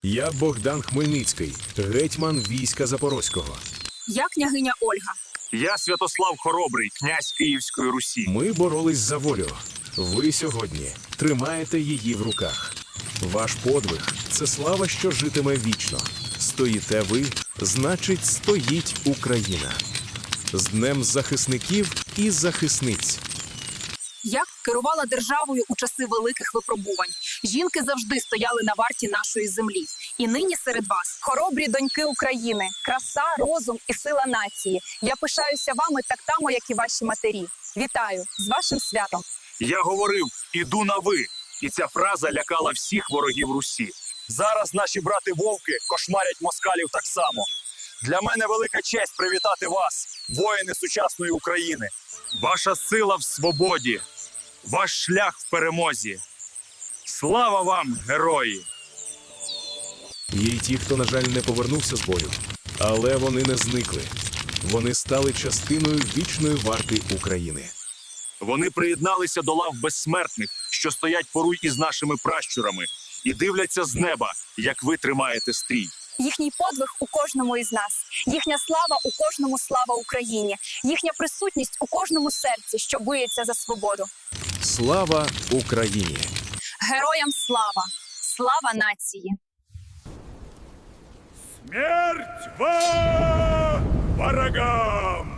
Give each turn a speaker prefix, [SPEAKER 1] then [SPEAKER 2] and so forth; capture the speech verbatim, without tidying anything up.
[SPEAKER 1] Я Богдан Хмельницький, гетьман війська Запорозького.
[SPEAKER 2] Я княгиня Ольга.
[SPEAKER 3] Я Святослав Хоробрий, князь Київської Русі.
[SPEAKER 1] Ми боролись за волю. Ви сьогодні тримаєте її в руках. Ваш подвиг – це слава, що житиме вічно. Стоїте ви, значить, стоїть Україна. З Днем захисників і захисниць.
[SPEAKER 2] Я керувала державою у часи великих випробувань. Жінки завжди стояли на варті нашої землі. І нині серед вас хоробрі доньки України, краса, розум і сила нації. Я пишаюся вами так само, як і ваші матері. Вітаю з вашим святом.
[SPEAKER 3] Я говорив «іду на ви», і ця фраза лякала всіх ворогів Русі. Зараз наші брати-вовки кошмарять москалів так само. Для мене велика честь привітати вас, воїни сучасної України. Ваша сила в свободі, ваш шлях в перемозі. Слава вам, герої!
[SPEAKER 1] Є й ті, хто, на жаль, не повернувся з бою. Але вони не зникли. Вони стали частиною вічної варти України.
[SPEAKER 3] Вони приєдналися до лав безсмертних, що стоять поруч із нашими пращурами, і дивляться з неба, як ви тримаєте стрій.
[SPEAKER 2] Їхній подвиг у кожному із нас. Їхня слава у кожному слава Україні. Їхня присутність у кожному серці, що биється за свободу.
[SPEAKER 1] Слава Україні!
[SPEAKER 2] Героям слава! Слава нації!
[SPEAKER 3] Смерть вам, ворогам!